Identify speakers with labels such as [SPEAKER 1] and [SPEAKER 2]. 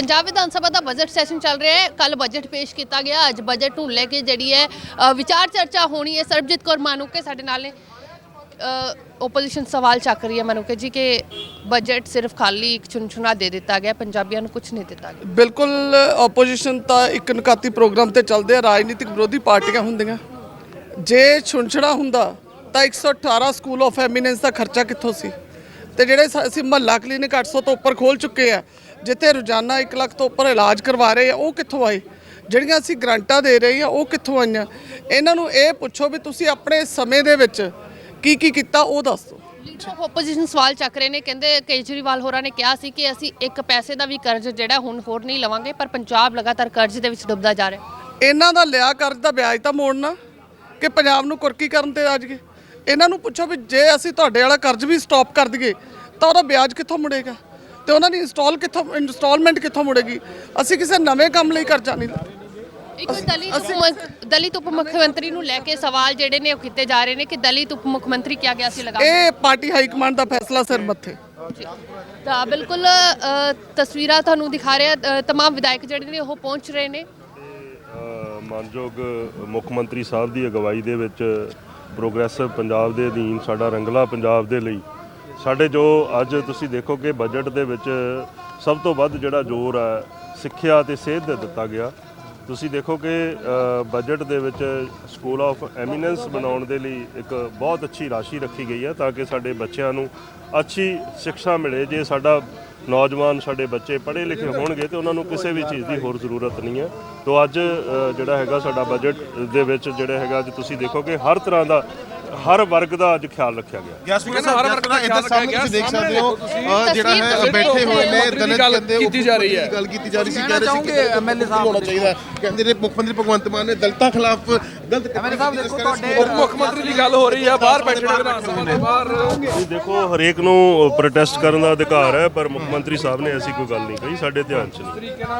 [SPEAKER 1] पंजाब विधानसभा का budget session चल रहा है। कल बजट पेश किया गया। अज बजट नूं लैके जिहड़ी है विचार चर्चा होनी है। सरबजीत कौर माणूके साडे नाल ने। ओपोजिशन सवाल चक रही है माणूके जी कि बजट सिर्फ खाली एक चुनचुना दे दिता गया, पंजाबियों को कुछ नहीं दिता गया।
[SPEAKER 2] बिल्कुल ओपोजिशन तो एक नकाती प्रोग्राम ते चलते हैं। राजनीतिक विरोधी पार्टियां होंदियां जे छुनछड़ा हुंदा तो 118 स्कूल ऑफ एमीनेंस का खर्चा कित्थों सी ते जिहड़े असीं महल्ला क्लीनिक 800 तो उपर खोल चुके हैं जिथे रोजाना 1 लाख तो उपर इलाज करवा रहे हैं, वो कित्थों आए? ਜਿਹੜੀਆਂ ਅਸੀਂ ਗ੍ਰਾਂਟਾਂ ਦੇ ਰਹੇ ਹਾਂ ਉਹ ਕਿੱਥੋਂ ਆਈਆਂ? ਇਹਨਾਂ ਨੂੰ ਇਹ ਪੁੱਛੋ ਵੀ ਤੁਸੀਂ ਆਪਣੇ ਸਮੇਂ ਦੇ ਵਿੱਚ ਕੀ ਕੀਤਾ ਉਹ ਦੱਸ ਦਿਓ।
[SPEAKER 1] ਲੀਡਰ ਆਫ ਓਪੋਜੀਸ਼ਨ ਸਵਾਲ ਚੱਕ ਰਹੇ ਨੇ। ਕਹਿੰਦੇ ਕੇਜਰੀਵਾਲ ਹੋਰਾਂ ਨੇ ਕਿਹਾ ਸੀ ਕਿ ਅਸੀਂ ਇੱਕ ਪੈਸੇ ਦਾ ਵੀ ਕਰਜ਼ ਜਿਹੜਾ ਹੁਣ ਹੋਰ ਨਹੀਂ ਲਵਾਂਗੇ, ਪਰ ਪੰਜਾਬ ਲਗਾਤਾਰ ਕਰਜ਼ ਦੇ ਵਿੱਚ ਡੁੱਬਦਾ ਜਾ ਰਿਹਾ।
[SPEAKER 2] ਇਹਨਾਂ ਦਾ ਲਿਆ ਕਰਜ਼ ਦਾ ਵਿਆਜ ਤਾਂ ਮੋੜਨਾ ਕਿ ਪੰਜਾਬ ਨੂੰ ਕੁਰਕੀ ਕਰਨ ਤੇ ਆ ਜਾਈਏ। ਇਹਨਾਂ ਨੂੰ ਪੁੱਛੋ ਵੀ ਜੇ ਅਸੀਂ ਤੁਹਾਡੇ ਵਾਲਾ ਕਰਜ਼ ਵੀ ਸਟਾਪ ਕਰ ਦਈਏ ਤਾਂ ਉਹਦਾ ਵਿਆਜ ਕਿੱਥੋਂ ਮੁੜੇਗਾ ਤੇ ਉਹਨਾਂ ਦੀ ਇੰਸਟਾਲਮੈਂਟ ਕਿੱਥੋਂ ਮੁੜੇਗੀ? ਅਸੀਂ ਕਿਸੇ ਨਵੇਂ ਕੰਮ ਲਈ ਕਰਜ਼ਾ ਨਹੀਂ ਲੈਣਾ।
[SPEAKER 1] ਇੱਕ ਦਲਿਤ ਉਪ ਮੁੱਖ ਮੰਤਰੀ ਨੂੰ ਲੈ ਕੇ ਸਵਾਲ ਜਿਹੜੇ ਨੇ ਉਹ ਕੀਤੇ ਜਾ ਰਹੇ ਨੇ ਕਿ ਦਲਿਤ ਉਪ ਮੁੱਖ ਮੰਤਰੀ ਕਿਹਾ ਗਿਆ ਸੀ ਲਗਾ।
[SPEAKER 2] ਇਹ ਪਾਰਟੀ ਹਾਈ ਕਮਾਂਡ ਦਾ ਫੈਸਲਾ ਸਿਰ ਮੱਥੇ।
[SPEAKER 1] ਤਾਂ ਬਿਲਕੁਲ ਤਸਵੀਰਾਂ ਤੁਹਾਨੂੰ ਦਿਖਾ ਰਿਹਾ। तमाम ਵਿਧਾਇਕ ਜਿਹੜੇ ਨੇ ਉਹ ਪਹੁੰਚ ਰਹੇ ਨੇ।
[SPEAKER 3] ਮਾਨਯੋਗ ਮੁੱਖ ਮੰਤਰੀ ਸਾਹਿਬ ਦੀ ਅਗਵਾਈ ਦੇ ਵਿੱਚ ਪ੍ਰੋਗਰੈਸਿਵ ਪੰਜਾਬ ਦੇ ਅਧੀਨ ਸਾਡਾ ਰੰਗਲਾ ਪੰਜਾਬ ਦੇ ਲਈ ਸਾਡੇ ਜੋ ਅੱਜ ਤੁਸੀਂ ਦੇਖੋ ਕਿ ਬਜਟ ਦੇ ਵਿੱਚ ਸਭ ਤੋਂ ਵੱਧ ਜਿਹੜਾ ਜ਼ੋਰ ਹੈ ਸਿੱਖਿਆ ਤੇ ਸਿਹਤ ਦੇ ਦਿੱਤਾ ਗਿਆ। ਤੁਸੀਂ ਦੇਖੋ ਕਿ ਬਜਟ ਦੇ ਵਿੱਚ ਸਕੂਲ ਆਫ ਐਮੀਨੈਂਸ ਬਣਾਉਣ ਦੇ ਲਈ ਇੱਕ ਬਹੁਤ ਅੱਛੀ ਰਾਸ਼ੀ ਰੱਖੀ ਗਈ ਹੈ ਤਾਂ ਕਿ ਸਾਡੇ ਬੱਚਿਆਂ ਨੂੰ ਅੱਛੀ ਸਿੱਖਿਆ ਮਿਲੇ। ਜੇ ਸਾਡਾ ਨੌਜਵਾਨ ਸਾਡੇ ਬੱਚੇ ਪੜ੍ਹੇ ਲਿਖੇ ਹੋਣਗੇ ਤੇ ਉਹਨਾਂ ਨੂੰ ਕਿਸੇ ਵੀ ਚੀਜ਼ ਦੀ ਹੋਰ ਜ਼ਰੂਰਤ ਨਹੀਂ ਹੈ। ਤੋ ਅੱਜ ਜਿਹੜਾ ਹੈਗਾ ਸਾਡਾ ਬਜਟ ਦੇ ਵਿੱਚ ਜਿਹੜਾ ਹੈਗਾ ਅੱਜ ਤੁਸੀਂ ਦੇਖੋ ਕਿ ਹਰ ਤਰ੍ਹਾਂ ਦਾ ਹਰ ਵਰਗ ਦਾ ਅੱਜ ਖਿਆਲ ਰੱਖਿਆ ਗਿਆ।
[SPEAKER 4] ਹਰ ਵਰਗ ਦਾ ਖਿਆਲ ਰੱਖਿਆ ਗਿਆ। ਤੁਸੀਂ ਦੇਖ ਸਕਦੇ ਹੋ ਜਿਹੜਾ ਹੈ ਬੈਠੇ ਹੋਏ ਨੇ ਦਲਿਤ ਕਹਿੰਦੇ ਕੀਤੀ ਜਾ ਰਹੀ ਹੈ, ਗੱਲ ਕੀਤੀ ਜਾ ਰਹੀ ਸੀ। ਕਹਿ ਰਹੇ ਸੀ ਕਿ ਐਮਐਲਏ ਸਾਹਿਬ ਹੋਣਾ ਚਾਹੀਦਾ। ਕਹਿੰਦੇ ਨੇ ਮੁੱਖ ਮੰਤਰੀ ਭਗਵੰਤ ਮਾਨ ਨੇ ਦਲਿਤਾਂ ਖਿਲਾਫ ਗਲਤ ਐਮਐਲਏ ਸਾਹਿਬ ਦੇਖੋ ਤੁਹਾਡੇ
[SPEAKER 5] ਮੁੱਖ ਮੰਤਰੀ ਦੀ ਗੱਲ ਹੋ ਰਹੀ ਹੈ, ਬਾਹਰ ਬੈਠੇ ਨੇ ਵਿਧਾਨ ਸਭਾ ਦੇ ਬਾਹਰ।
[SPEAKER 3] ਤੁਸੀਂ ਦੇਖੋ ਹਰੇਕ ਨੂੰ ਪ੍ਰੋਟੈਸਟ ਕਰਨ ਦਾ ਅਧਿਕਾਰ ਹੈ, ਪਰ ਮੁੱਖ ਮੰਤਰੀ ਸਾਹਿਬ ਨੇ ਐਸੀ ਕੋਈ ਗੱਲ ਨਹੀਂ ਕਹੀ, ਸਾਡੇ ਧਿਆਨ 'ਚ ਨਹੀਂ।